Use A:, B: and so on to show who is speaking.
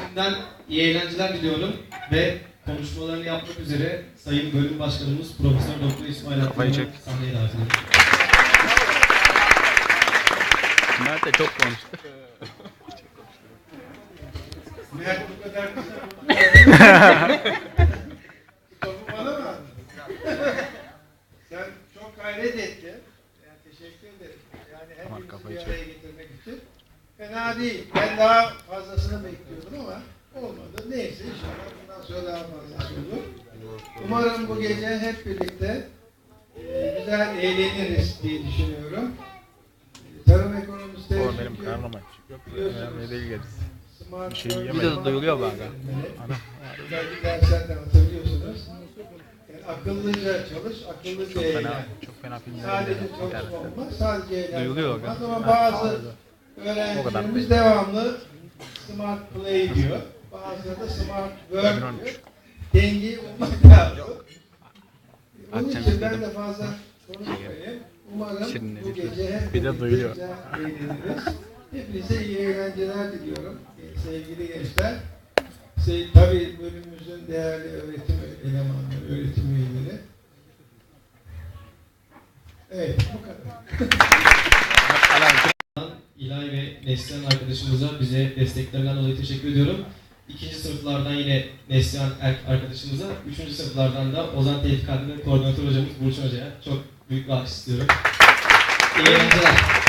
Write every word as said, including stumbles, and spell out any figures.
A: şimdiden iyi eğlenceler diliyorum ve konuşmalarını yapmak üzere Sayın Bölüm Başkanımız Profesör Doktor İsmail Akman'ı sahneye davet ediyorum.
B: Mert de çok konuştu.
C: Mert bu kadar kısa topu bana mı aldın? Sen çok gayret ettin. Yani teşekkür ederim. Yani hepimizi bir araya getirmek için. Fena değil. Ben daha fazlasını bekliyordum ama olmadı. Neyse inşallah bundan sonra daha fazlası olur. Umarım bu gece hep birlikte e, güzel eğleniriz diye düşünüyorum. E, Tarım ekonomistleri
B: O benim karnım aç. Yok, önemli değil gerisi. Bir şey yemedim. Videoda duyuluyor bak.
C: Özellikle derslerden hatırlıyorsunuz. Yani akıllıca çalış, akıllıca
B: Çok
C: eğlen.
B: fena, çok fena filmler.
C: Sadece çalışma olmaz, sadece eğlen
B: Duyuluyor
C: olmaz.
B: bak.
C: Ama bazı öğrencilerimiz devamlı smart play diyor. Bazıları da smart work diyor. Dengeyi bulmak lazım. Onun için ben de fazla konuşmayayım. Umarım bu gece hep
B: bir de duyuluyor.
C: güzel eğleniriz. Hepinize iyi eğlenceler diliyorum sevgili gençler. Şey, tabii bölümümüzün değerli öğretim elemanları, öğretim üyeleri. Evet, bu kadar.
A: İlay ve Neslihan arkadaşımıza bize desteklerinden dolayı teşekkür ediyorum. İkinci sınıflardan yine Neslihan arkadaşımıza, üçüncü sınıflardan da Ozan Tevfik adlı koordinatör hocamız Burçin Hoca'ya çok büyük bir alkış istiyorum. İyi eğlenceler.